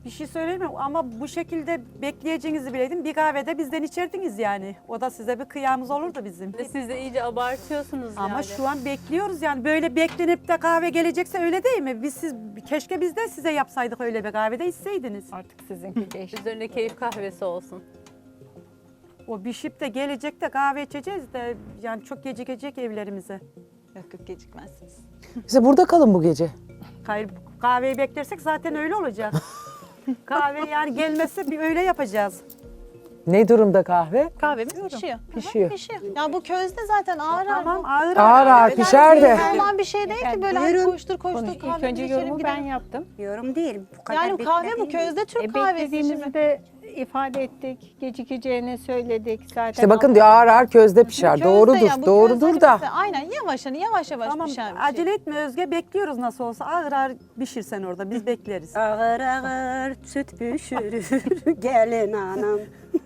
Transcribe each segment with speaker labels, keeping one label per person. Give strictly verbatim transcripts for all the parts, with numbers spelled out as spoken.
Speaker 1: Bir şey söyleyeyim mi? Ama bu şekilde bekleyeceğinizi bileydim. Bir kahvede bizden içerdiniz yani. O da size bir kıyamız olurdu bizim.
Speaker 2: Siz de iyice abartıyorsunuz
Speaker 1: Ama
Speaker 2: yani.
Speaker 1: şu an bekliyoruz yani. Böyle beklenip de kahve gelecekse öyle değil mi? Biz siz keşke biz de size yapsaydık öyle bir kahvede içseydiniz.
Speaker 3: Artık sizinki geçti.
Speaker 2: Üzerine keyif kahvesi olsun.
Speaker 1: O bişip de gelecek de kahve içeceğiz de yani çok gecikecek evlerimize.
Speaker 4: Yok yok gecikmezsiniz.
Speaker 5: Size burada kalın bu gece.
Speaker 1: Hayır kahveyi beklersek zaten öyle olacak. Kahve yani gelmezse bir öyle yapacağız.
Speaker 5: Ne durumda kahve?
Speaker 4: Kahvemiz pişiyor.
Speaker 5: Pişiyor.
Speaker 4: Pişiyor. Ya bu közde zaten ağır ağır.
Speaker 1: Tamam ağır
Speaker 5: Ağır ağır
Speaker 4: Yani
Speaker 5: pişer de.
Speaker 4: Normal bir şey değil ki böyle hani
Speaker 3: Buyurun.
Speaker 4: koştur koştur
Speaker 3: Konuş.
Speaker 4: kahve
Speaker 3: İlk önce
Speaker 4: içelim,
Speaker 3: yorumu
Speaker 4: gidelim.
Speaker 3: ben yaptım.
Speaker 6: Yorum değil. Bu kadar
Speaker 4: Yani kahve bu
Speaker 6: beklediğim-
Speaker 4: közde Türk
Speaker 3: E,
Speaker 4: kahvesi
Speaker 3: beklediğimizi
Speaker 4: şimdi.
Speaker 3: de ifade ettik. Gecikeceğini söyledik zaten.
Speaker 5: İşte bakın diyor ağır ağır közde pişer.
Speaker 4: Közde
Speaker 5: Doğrudur,
Speaker 4: ya, bu
Speaker 5: doğrudur
Speaker 4: közde
Speaker 5: da.
Speaker 4: mesela Aynen yavaş hani yavaş yavaş
Speaker 1: Tamam
Speaker 4: pişen bir şey.
Speaker 1: acele etme Özge bekliyoruz nasıl olsa ağır ağır pişirsen orada biz bekleriz.
Speaker 6: Ağır ağır süt pişirir gelin anam.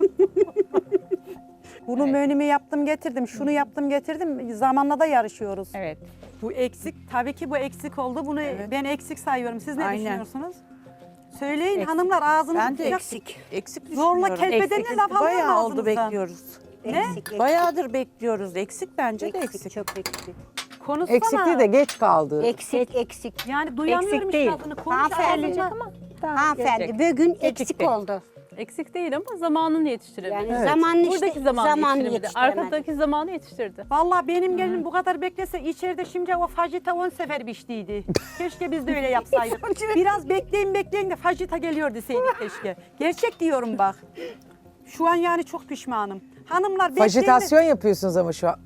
Speaker 1: Bunu menümü yaptım getirdim, şunu yaptım getirdim. Zamanla da yarışıyoruz.
Speaker 3: Evet.
Speaker 1: Bu eksik, tabii ki bu eksik oldu. Bunu ben eksik sayıyorum. Siz ne
Speaker 7: Aynen.
Speaker 1: düşünüyorsunuz? Söyleyin
Speaker 3: Eksik.
Speaker 1: hanımlar ağzınızı
Speaker 7: Ben de
Speaker 1: tutacak.
Speaker 7: eksik. Eksik
Speaker 1: Zorla
Speaker 7: düşünüyorum.
Speaker 1: kelbedenle laf alıyor
Speaker 7: Bayağı oldu
Speaker 1: ağzınızdan.
Speaker 7: bekliyoruz.
Speaker 1: Ne?
Speaker 6: Eksik, eksik.
Speaker 7: Bayağıdır bekliyoruz. Eksik bence de
Speaker 6: Eksik,
Speaker 7: eksik.
Speaker 6: çok eksik.
Speaker 1: Konuşsana.
Speaker 5: Eksik değil de geç kaldı.
Speaker 6: Eksik, eksik.
Speaker 1: Yani duyamıyorum
Speaker 3: Eksik
Speaker 1: işte
Speaker 3: değil.
Speaker 1: adını. Konuş
Speaker 6: Hanımefendi,
Speaker 1: ağzından.
Speaker 6: hanımefendi bugün eksik
Speaker 3: Gecikti.
Speaker 6: oldu.
Speaker 2: Eksik değil ama zamanını yetiştirebilir.
Speaker 6: Yani
Speaker 5: Evet.
Speaker 6: zamanını işte,
Speaker 2: Buradaki zamanı
Speaker 6: zamanını
Speaker 2: yetiştiremedi.
Speaker 6: yetiştiremedi.
Speaker 2: Arkadaki zamanı yetiştirdi.
Speaker 1: Vallahi benim gelinim bu kadar beklese içeride şimdi o fajita on sefer piştiydi. Keşke biz de öyle yapsaydık. Biraz bekleyin bekleyin de fajita geliyor deseydik keşke. Gerçek diyorum bak. Şu an yani çok pişmanım. Hanımlar bekleyin. de-
Speaker 5: Fajitasyon yapıyorsunuz ama şu an.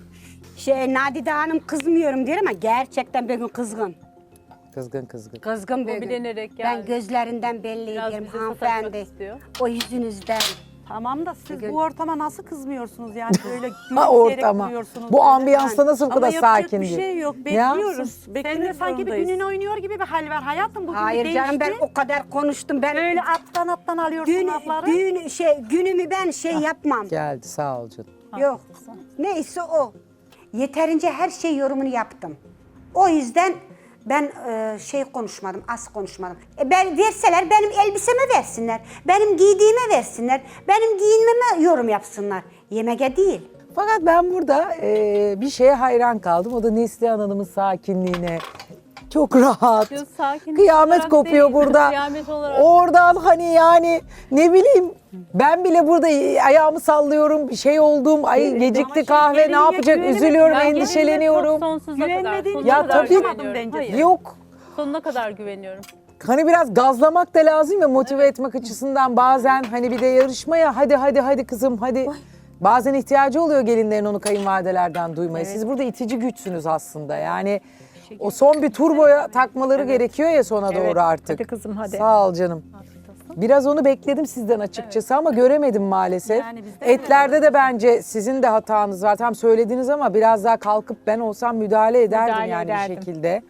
Speaker 6: Şey Nadide Hanım kızmıyorum diyor ama gerçekten bugün kızgın.
Speaker 5: Kızgın kızgın.
Speaker 6: Kızgın
Speaker 2: O
Speaker 6: bugün.
Speaker 2: bilenerek
Speaker 6: Ben
Speaker 2: geldi.
Speaker 6: gözlerinden belli
Speaker 2: Biraz
Speaker 6: ediyorum
Speaker 2: bize
Speaker 6: hanımefendi.
Speaker 2: sataşmak istiyor.
Speaker 6: O yüzünüzden.
Speaker 1: Tamam da siz
Speaker 6: Bugün-
Speaker 1: bu ortama nasıl kızmıyorsunuz yani böyle
Speaker 5: Ha
Speaker 1: gülümseyerek
Speaker 5: ortama.
Speaker 1: duruyorsunuz
Speaker 5: Bu
Speaker 1: böyle.
Speaker 5: ambiyansta nasıl bu
Speaker 7: Ama
Speaker 5: kadar
Speaker 7: yapacak
Speaker 5: sakin
Speaker 7: bir
Speaker 5: diyor.
Speaker 7: şey yok.
Speaker 5: Ne yapsın?
Speaker 7: Bekliyoruz.
Speaker 1: Sen de
Speaker 7: Beklemek
Speaker 1: sanki bir
Speaker 7: zorundayız.
Speaker 1: günün oynuyor gibi bir hal var hayatım. Bugün
Speaker 6: Hayır
Speaker 1: bir
Speaker 6: canım ben
Speaker 1: değişti.
Speaker 6: o kadar konuştum. Ben
Speaker 1: Böyle alttan alttan alıyorsun
Speaker 6: gün,
Speaker 1: lafları.
Speaker 6: gün şey günümü ben şey yapmam.
Speaker 5: Geldi sağ ol canım.
Speaker 6: Yok. Neyse o. Yeterince her şey yorumunu yaptım. O yüzden ben e, şey konuşmadım, az konuşmadım. E ben verseler benim elbiseme versinler. Benim giydiğime versinler. Benim giyinmeme yorum yapsınlar. Yemeğe değil.
Speaker 5: Fakat ben burada e, bir şeye hayran kaldım. O da Neslihan Hanım'ın sakinliğine. Çok rahat.
Speaker 2: Diyor, sakin
Speaker 5: Kıyamet
Speaker 2: olarak
Speaker 5: kopuyor
Speaker 2: değil,
Speaker 5: burada.
Speaker 2: Kıyamet olarak.
Speaker 5: Oradan hani yani ne bileyim ben bile burada ayağımı sallıyorum. Bir şey oldum. Ay
Speaker 1: Ama
Speaker 5: gecikti
Speaker 1: şey,
Speaker 5: kahve ne
Speaker 1: gelinliğe
Speaker 5: yapacak?
Speaker 1: güvenemedim.
Speaker 5: Üzülüyorum,
Speaker 2: Ben
Speaker 5: endişeleniyorum.
Speaker 2: gelinime Sonsuza kadar,
Speaker 1: Güvenmediğin
Speaker 2: sonuna
Speaker 5: Ya
Speaker 2: kadar
Speaker 5: tabii.
Speaker 2: güveniyorum.
Speaker 1: Bence.
Speaker 2: Hayır,
Speaker 5: Yok.
Speaker 2: sonuna kadar güveniyorum.
Speaker 5: Hani biraz gazlamak da lazım ya motive etmek açısından bazen hani bir de yarışmaya hadi hadi hadi kızım hadi. Bazen ihtiyacı oluyor gelinlerin onu kayınvalidelerden duymaya. Siz burada itici güçsünüz aslında yani. O son bir turboya takmaları gerekiyor ya sona doğru artık.
Speaker 3: Hadi kızım, hadi.
Speaker 5: Sağ ol canım. Biraz onu bekledim sizden açıkçası ama göremedim maalesef.
Speaker 1: Yani biz de
Speaker 5: Etlerde de bence sizin de hatanız var. Tam söylediniz ama biraz daha kalkıp ben olsam müdahale ederdim
Speaker 3: Müdahale
Speaker 5: yani
Speaker 3: ederdim.
Speaker 5: bir şekilde.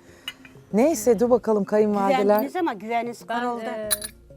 Speaker 5: Neyse dur bakalım kayınvalideler.
Speaker 6: Güvendiniz ama güveniniz
Speaker 2: Ben
Speaker 6: kırıldı.
Speaker 2: e,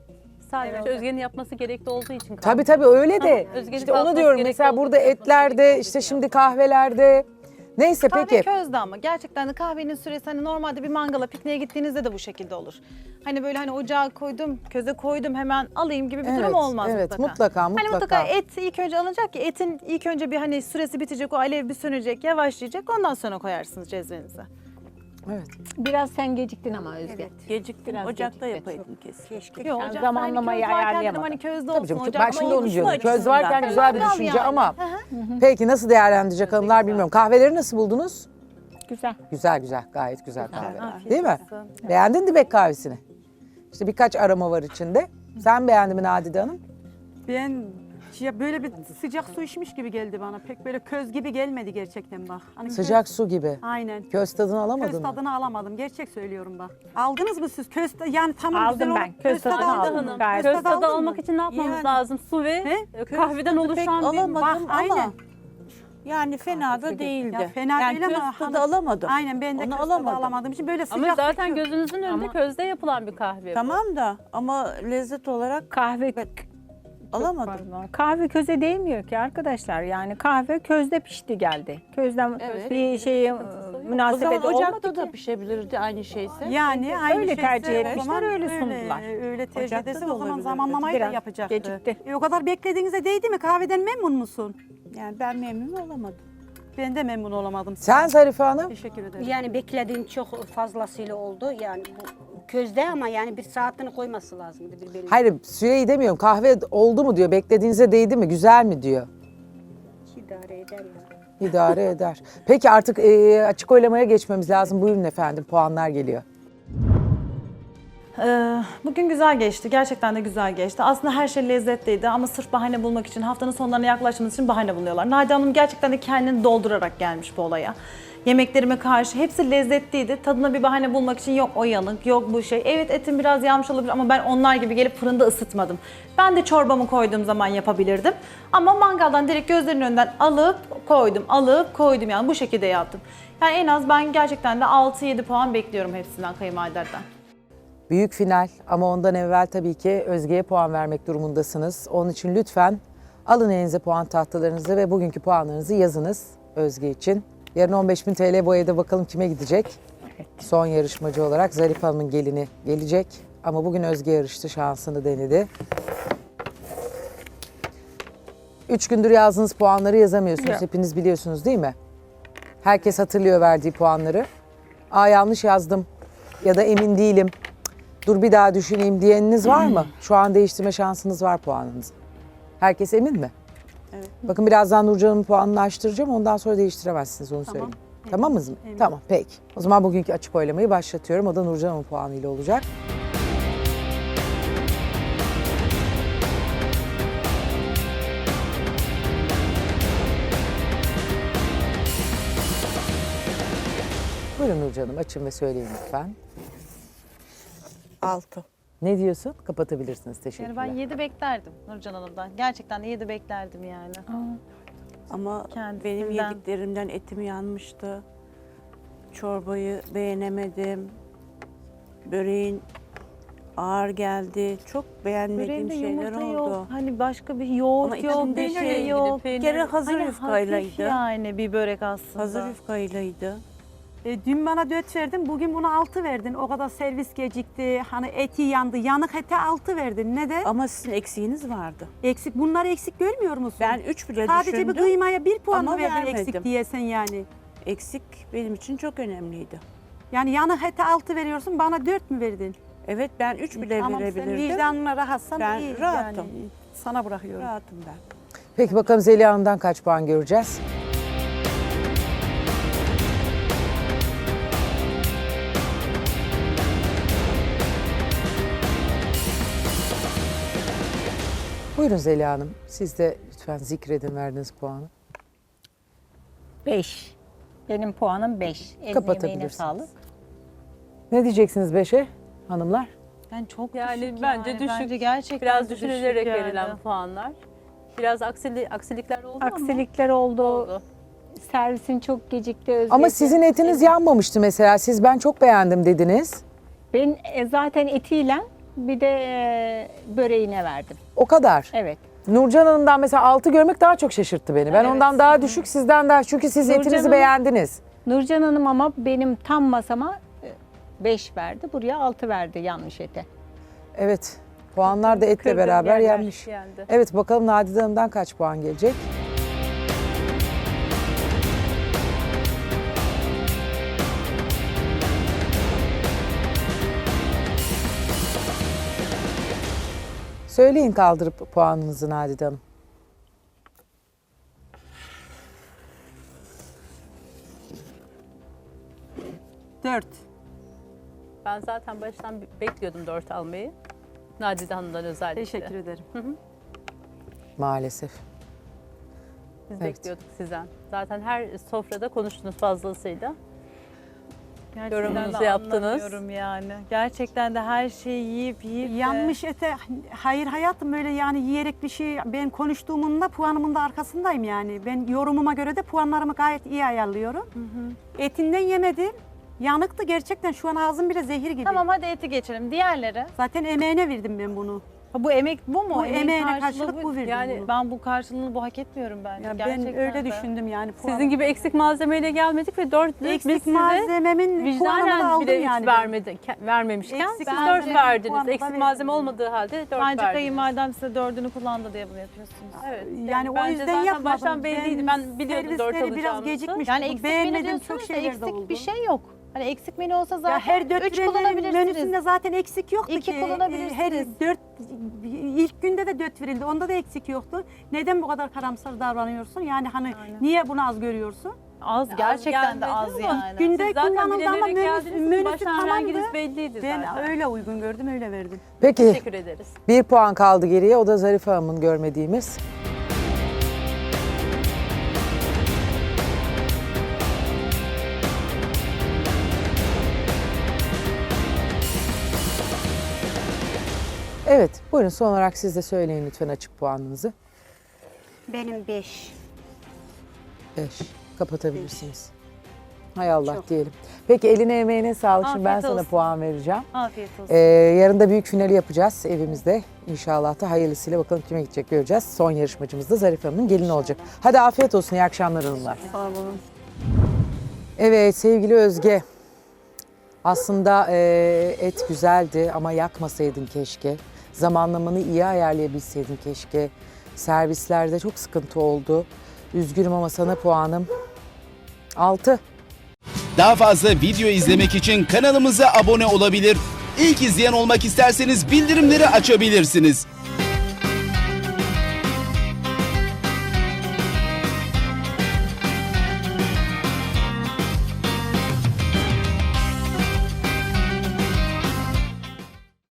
Speaker 2: sadece Özge'nin yapması gerekli olduğu için kaldım.
Speaker 5: Tabii tabii öyle de.
Speaker 2: Özge'nin
Speaker 5: işte onu
Speaker 2: kalkması
Speaker 5: diyorum
Speaker 2: gerekli
Speaker 5: mesela
Speaker 2: olduğu
Speaker 5: burada
Speaker 2: için yapması
Speaker 5: etlerde
Speaker 2: gerekli
Speaker 5: işte
Speaker 2: olduğu
Speaker 5: şimdi kahvelerde. Neyse
Speaker 4: Kahve
Speaker 5: peki.
Speaker 4: közde ama gerçekten de kahvenin süresi hani normalde bir mangala pikniğe gittiğinizde de bu şekilde olur. Hani böyle hani ocağa koydum, köze koydum hemen alayım gibi bir
Speaker 5: Evet,
Speaker 4: durum olmaz
Speaker 5: evet,
Speaker 4: mutlaka.
Speaker 5: mutlaka,
Speaker 4: Hani
Speaker 5: mutlaka.
Speaker 4: mutlaka et ilk önce alınacak ki etin ilk önce bir hani süresi bitecek, o alev bir sönecek, yavaşlayacak, ondan sonra koyarsınız cezvenize.
Speaker 5: Evet.
Speaker 3: Biraz sen geciktin ama Özge.
Speaker 7: Geciktim.
Speaker 3: Biraz
Speaker 7: Ocakta
Speaker 3: gecikti.
Speaker 7: yapaydım kesin.
Speaker 6: Keşke.
Speaker 4: Yok,
Speaker 3: Yani
Speaker 4: ocakta
Speaker 3: zamanlamayı
Speaker 4: hani köz varken dedim,
Speaker 3: ayarlayamadım.
Speaker 4: Hani közde
Speaker 5: Tabii
Speaker 4: olsun,
Speaker 5: canım, ben
Speaker 4: ocakta
Speaker 5: şimdi onu
Speaker 4: olsun.
Speaker 5: diyorum. Köz
Speaker 7: açısından.
Speaker 5: varken güzel bir
Speaker 4: Mangal
Speaker 5: düşünce
Speaker 4: yani.
Speaker 5: ama
Speaker 4: Hı hı.
Speaker 5: peki nasıl değerlendirecek hanımlar bilmiyorum. Kahveleri nasıl buldunuz?
Speaker 3: Güzel.
Speaker 5: Güzel güzel gayet güzel kahve.
Speaker 2: Afiyet
Speaker 5: Değil mi?
Speaker 2: olsun.
Speaker 5: Beğendin Dibek kahvesini? İşte birkaç aroma var içinde. Sen beğendin mi Nadide Hanım?
Speaker 1: Ben ya böyle bir sıcak su içmiş gibi geldi bana. Pek böyle köz gibi gelmedi gerçekten bak. Hani köz-
Speaker 5: Sıcak su gibi.
Speaker 1: Aynen.
Speaker 5: Köz tadını alamadın
Speaker 1: Köz
Speaker 5: mı?
Speaker 1: tadını alamadım. Gerçek söylüyorum bak. Aldınız mı siz? Köz tadı- yani tamam
Speaker 3: Aldım
Speaker 1: güzel
Speaker 3: ben.
Speaker 1: olur.
Speaker 3: Köz tadını
Speaker 1: tadı aldın
Speaker 3: aldım.
Speaker 1: mı?
Speaker 3: Gayet
Speaker 2: Köz
Speaker 1: tadı
Speaker 2: tadı
Speaker 1: aldın
Speaker 2: almak
Speaker 1: mı?
Speaker 2: için ne yapmamız
Speaker 7: Yani.
Speaker 2: lazım? Su ve
Speaker 1: He?
Speaker 2: e, kahveden
Speaker 7: Pek
Speaker 2: oluşan bir...
Speaker 7: alamadım
Speaker 1: Bak,
Speaker 7: ama
Speaker 1: aynen.
Speaker 7: yani fena da değildi.
Speaker 1: Ya fena
Speaker 7: yani
Speaker 1: değil
Speaker 7: köz
Speaker 1: ama
Speaker 7: tadı
Speaker 1: hani-
Speaker 7: alamadım.
Speaker 1: Aynen ben de
Speaker 7: Onu
Speaker 1: köz tadı
Speaker 7: alamadım.
Speaker 1: alamadığım için böyle sıcak
Speaker 2: Ama zaten
Speaker 1: su-
Speaker 2: gözünüzün önünde
Speaker 3: Ama-
Speaker 2: közde yapılan bir kahve. bu.
Speaker 7: Tamam da ama lezzet olarak
Speaker 3: Kahve
Speaker 7: alamadım.
Speaker 3: Pardon. Kahve köze değmiyor ki arkadaşlar. Yani kahve közde pişti geldi. Közden
Speaker 7: Evet.
Speaker 3: bir şeyi münasebeti
Speaker 7: zaman ocakta
Speaker 3: olmadı
Speaker 7: da
Speaker 3: ki.
Speaker 7: pişebilirdi aynı şeyse.
Speaker 1: Yani aynı
Speaker 3: Öyle
Speaker 1: şeyse
Speaker 3: tercih
Speaker 1: o
Speaker 3: etmişler,
Speaker 1: zaman
Speaker 3: öyle sundular.
Speaker 1: Öyle, öyle tercih
Speaker 7: Ocakta
Speaker 1: ederse
Speaker 7: da
Speaker 1: o zaman
Speaker 7: olabilirdi.
Speaker 1: zamanlamayı da
Speaker 3: Biraz
Speaker 1: yapacaktı.
Speaker 3: gecikti.
Speaker 1: E, o kadar beklediğinize değdi mi? Kahveden memnun musun?
Speaker 7: Yani ben memnun olamadım.
Speaker 1: Ben de memnun olamadım.
Speaker 5: Sen Zarife Hanım?
Speaker 1: Teşekkür ederim.
Speaker 6: Yani beklediğim çok fazlasıyla oldu. Yani bu közde ama yani bir saatini koyması lazımdı bir belli.
Speaker 5: Hayır süreyi demiyorum. Kahve oldu mu diyor. Beklediğinize değdi mi? Güzel mi diyor.
Speaker 6: İdare eder ya.
Speaker 5: İdare eder. Peki artık e, açık oylamaya geçmemiz lazım. Buyurun efendim. Puanlar geliyor.
Speaker 4: Ee, bugün güzel geçti. Gerçekten de güzel geçti. Aslında her şey lezzetliydi ama sırf bahane bulmak için, haftanın sonlarına yaklaştığımız için bahane buluyorlar. Nadide Hanım gerçekten de kendini doldurarak gelmiş bu olaya. Yemeklerime karşı hepsi lezzetliydi. Tadına bir bahane bulmak için yok o yanık, yok bu şey. Evet etim biraz yanmış olabilir ama ben onlar gibi gelip fırında ısıtmadım. Ben de çorbamı koyduğum zaman yapabilirdim. Ama mangaldan direkt gözlerinin önünden alıp koydum, alıp koydum yani bu şekilde yaptım. Yani en az ben gerçekten de altı yedi puan bekliyorum hepsinden kayınvalidelerden.
Speaker 5: Büyük final ama ondan evvel tabii ki Özge'ye puan vermek durumundasınız. Onun için lütfen alın elinize puan tahtalarınızı ve bugünkü puanlarınızı yazınız Özge için. Yarın on beş bin T L bu evde bakalım kime gidecek? Son yarışmacı olarak Zarife Hanım'ın gelini gelecek. Ama bugün Özge yarıştı, şansını denedi. Üç gündür yazdığınız puanları yazamıyorsunuz.
Speaker 3: Yok.
Speaker 5: Hepiniz biliyorsunuz değil mi? Herkes hatırlıyor verdiği puanları. Aa yanlış yazdım ya da emin değilim. Dur bir daha düşüneyim diyeniniz var mı? Şu an değiştirme şansınız var puanınızı. Herkes emin mi?
Speaker 7: Evet.
Speaker 5: Bakın birazdan Nurcan'ın puanını açtıracağım. Ondan sonra değiştiremezsiniz onu söyleyeyim. Tamam mı? Tamam peki. O zaman bugünkü açık oylamayı başlatıyorum. O da Nurcan'ın puanıyla olacak. Buyurun Nurcan'ım açın ve söyleyin lütfen.
Speaker 7: Altı.
Speaker 5: Ne diyorsun? Kapatabilirsiniz. Teşekkürler.
Speaker 4: Yani ben yedi beklerdim Nurcan Hanım'dan. Gerçekten de yedi beklerdim yani.
Speaker 7: Ama
Speaker 4: Kendisinden.
Speaker 7: benim yediklerimden etim yanmıştı. Çorbayı beğenemedim. Böreğin ağır geldi. Çok beğenmediğim
Speaker 4: Böreğinde
Speaker 7: şeyler
Speaker 4: yumurta
Speaker 7: oldu.
Speaker 4: yok. Hani başka bir yoğurt
Speaker 7: Ama
Speaker 4: yok, bir
Speaker 7: içinde
Speaker 4: şey
Speaker 7: ilgili
Speaker 4: yok.
Speaker 7: Bir kere hazır
Speaker 4: Hani
Speaker 7: yufkaylaydı.
Speaker 4: hafif yani bir börek aslında.
Speaker 7: Hazır yufkaylaydı.
Speaker 1: E, dün bana dört verdin, bugün buna altı verdin. O kadar servis gecikti, hani eti yandı. Yanık ete altı verdin. Ne de?
Speaker 7: Ama sizin eksiğiniz vardı.
Speaker 1: Eksik. Bunları eksik görmüyor musun?
Speaker 7: Ben üç bile
Speaker 1: Sadece
Speaker 7: düşündüm.
Speaker 1: bir kıymaya bir puan
Speaker 7: ama
Speaker 1: mı verdin
Speaker 7: vermedim.
Speaker 1: eksik diyesen yani.
Speaker 7: Eksik benim için çok önemliydi.
Speaker 1: Yani yanık ete altı veriyorsun, bana dört mü verdin?
Speaker 7: Evet ben üç bile
Speaker 1: Tamam, sen
Speaker 7: verebilirdim.
Speaker 1: vicdanına rahatsan
Speaker 7: Ben
Speaker 1: iyi.
Speaker 7: rahatım.
Speaker 1: Yani, sana bırakıyorum.
Speaker 7: Rahatım ben.
Speaker 5: Peki bakalım Zeliha Hanım'dan kaç puan göreceğiz? Buyurun Zeliha Hanım. Siz de lütfen zikredin verdiğiniz puanı.
Speaker 3: Beş. Benim puanım beş. Eline emeğine
Speaker 5: Kapatabilirsiniz.
Speaker 3: sağlık.
Speaker 5: Ne diyeceksiniz beşe hanımlar?
Speaker 4: Yani çok
Speaker 2: Yani
Speaker 4: düşük
Speaker 2: bence
Speaker 4: yani.
Speaker 2: düşük.
Speaker 4: Bence gerçekten
Speaker 2: Biraz
Speaker 4: de düşük
Speaker 2: düşünülerek
Speaker 4: yani.
Speaker 2: verilen puanlar. Biraz aksili, aksilikler oldu
Speaker 3: Aksilikler oldu.
Speaker 2: ama oldu.
Speaker 3: Servisin çok gecikti. Özledi.
Speaker 5: Ama sizin etiniz yanmamıştı mesela. Siz ben çok beğendim dediniz.
Speaker 3: Ben e, zaten etiyle bir de e, böreğine verdim.
Speaker 5: O kadar.
Speaker 3: Evet.
Speaker 5: Nurcan Hanım'dan mesela altı görmek daha çok şaşırttı beni. Ben ondan daha düşük, sizden daha. Çünkü siz
Speaker 3: Nurcan
Speaker 5: etinizi
Speaker 3: Hanım-
Speaker 5: beğendiniz.
Speaker 3: Nurcan Hanım ama benim tam masama beş verdi. Buraya altı verdi yanlış ete.
Speaker 5: Evet. Puanlar da etle
Speaker 2: Kırdım
Speaker 5: beraber
Speaker 2: yerler
Speaker 5: yenmiş.
Speaker 2: yendi.
Speaker 5: Evet bakalım Nadide Hanım'dan kaç puan gelecek? Söyleyin kaldırıp puanınızı Nadide Hanım.
Speaker 1: Dört.
Speaker 2: Ben zaten baştan bekliyordum dört almayı. Nadide Hanım'dan özellikle.
Speaker 1: Teşekkür ederim.
Speaker 5: Maalesef.
Speaker 2: Biz
Speaker 5: Evet.
Speaker 2: bekliyorduk sizden. Zaten her sofrada konuştunuz fazlasıyla.
Speaker 4: Gerçekten
Speaker 2: Yorumunuzu
Speaker 4: de
Speaker 2: yaptınız.
Speaker 4: anlamıyorum yani. Gerçekten de her şeyi yiyip yiyip de-
Speaker 1: Yanmış ete, hayır hayatım öyle yani yiyerek bir şey, ben konuştuğumun da puanımın da arkasındayım yani. Ben yorumuma göre de puanlarımı gayet iyi ayarlıyorum. Etinden yemedim. Yanıktı gerçekten, şu an ağzım bile zehir gibi.
Speaker 4: Tamam hadi eti geçelim. Diğerleri.
Speaker 1: Zaten emeğine verdim ben bunu.
Speaker 4: Ha, bu emek bu mu?
Speaker 1: Bu
Speaker 4: Emeğin
Speaker 1: emeğine
Speaker 4: karşılığı
Speaker 1: karşılık bu verdim
Speaker 2: Yani
Speaker 1: bunu.
Speaker 4: Ben bu karşılığını bu hak etmiyorum bence.
Speaker 1: Ya ben
Speaker 4: Gerçekten
Speaker 1: öyle
Speaker 4: de.
Speaker 1: düşündüm yani. puanı.
Speaker 2: Sizin gibi eksik malzemeyle gelmedik ve dört biz
Speaker 1: eksik
Speaker 2: size
Speaker 1: malzememin puanını da
Speaker 2: vicdanen
Speaker 1: aldım
Speaker 2: bile
Speaker 1: yani.
Speaker 2: hiç vermedi, ke- vermemişken
Speaker 1: Eksik
Speaker 2: siz
Speaker 1: malzeme
Speaker 2: dört verdiniz.
Speaker 1: puanı da
Speaker 2: Eksik
Speaker 1: verdim.
Speaker 2: malzeme olmadığı halde dört
Speaker 4: Bence
Speaker 2: verdiniz.
Speaker 4: kayınvalidem size dördünü kullandı diye bunu yapıyorsunuz.
Speaker 2: Evet.
Speaker 1: Yani o
Speaker 2: bence
Speaker 1: yüzden
Speaker 2: zaten
Speaker 1: yapmadım.
Speaker 2: baştan belliydi. Ben biliyordum dört
Speaker 1: servisleri biraz
Speaker 2: alacağımızı.
Speaker 1: gecikmiş.
Speaker 4: Yani
Speaker 1: buldum.
Speaker 4: eksik menü
Speaker 1: Beğenmedim,
Speaker 4: diyorsunuz
Speaker 1: çok
Speaker 4: da
Speaker 1: şeyler de
Speaker 4: eksik
Speaker 1: oldu.
Speaker 4: bir şey yok. Hani eksik menü olsa zaten
Speaker 1: Ya her dört
Speaker 4: üç
Speaker 1: verilenin
Speaker 4: kullanabilirsiniz.
Speaker 1: menüsünde zaten eksik yoktu
Speaker 4: İki
Speaker 1: ki.
Speaker 4: kullanabilirsiniz.
Speaker 1: Her dört, ilk günde de dört verildi. Onda da eksik yoktu. Neden bu kadar karamsar davranıyorsun? Yani hani niye bunu az görüyorsun?
Speaker 4: Az gerçekten de
Speaker 2: gelmedi
Speaker 4: az
Speaker 2: ama
Speaker 4: yani.
Speaker 1: Günde
Speaker 2: Siz zaten
Speaker 1: kullanıldı ama
Speaker 2: bilerek
Speaker 1: menüsü,
Speaker 2: geldiniz.
Speaker 1: menüsü
Speaker 2: Baştan
Speaker 1: tamamdı.
Speaker 2: renginiz belliydi
Speaker 1: Ben
Speaker 2: zaten.
Speaker 1: öyle uygun gördüm, öyle verdim.
Speaker 5: Peki
Speaker 2: Teşekkür ederiz.
Speaker 5: bir puan kaldı geriye. O da Zarife Hanım'ın görmediğimiz. Evet, buyurun son olarak siz de söyleyin lütfen açık puanınızı.
Speaker 6: Benim beş.
Speaker 5: Beş. Kapatabilirsiniz. Hay Allah diyelim. Peki eline emeğine sağlık. Şimdi ben
Speaker 4: Afiyet
Speaker 5: sana
Speaker 4: olsun.
Speaker 5: puan vereceğim.
Speaker 4: Afiyet olsun.
Speaker 5: Ee, yarın da büyük finali yapacağız evimizde. İnşallah da hayırlısıyla bakalım kime gidecek göreceğiz. Son yarışmacımız da Zarife Hanım'ın gelini olacak. Hadi afiyet olsun. İyi akşamlar hanımlar.
Speaker 7: Sağ olun.
Speaker 5: Evet sevgili Özge. Aslında e, et güzeldi ama yakmasaydın keşke. Zamanlamanı iyi ayarlayabilseydin keşke. Servislerde çok sıkıntı oldu. Üzgünüm ama sana puanım altı.
Speaker 8: Daha fazla video izlemek için kanalımıza abone olabilir. İlk izleyen olmak isterseniz bildirimleri açabilirsiniz.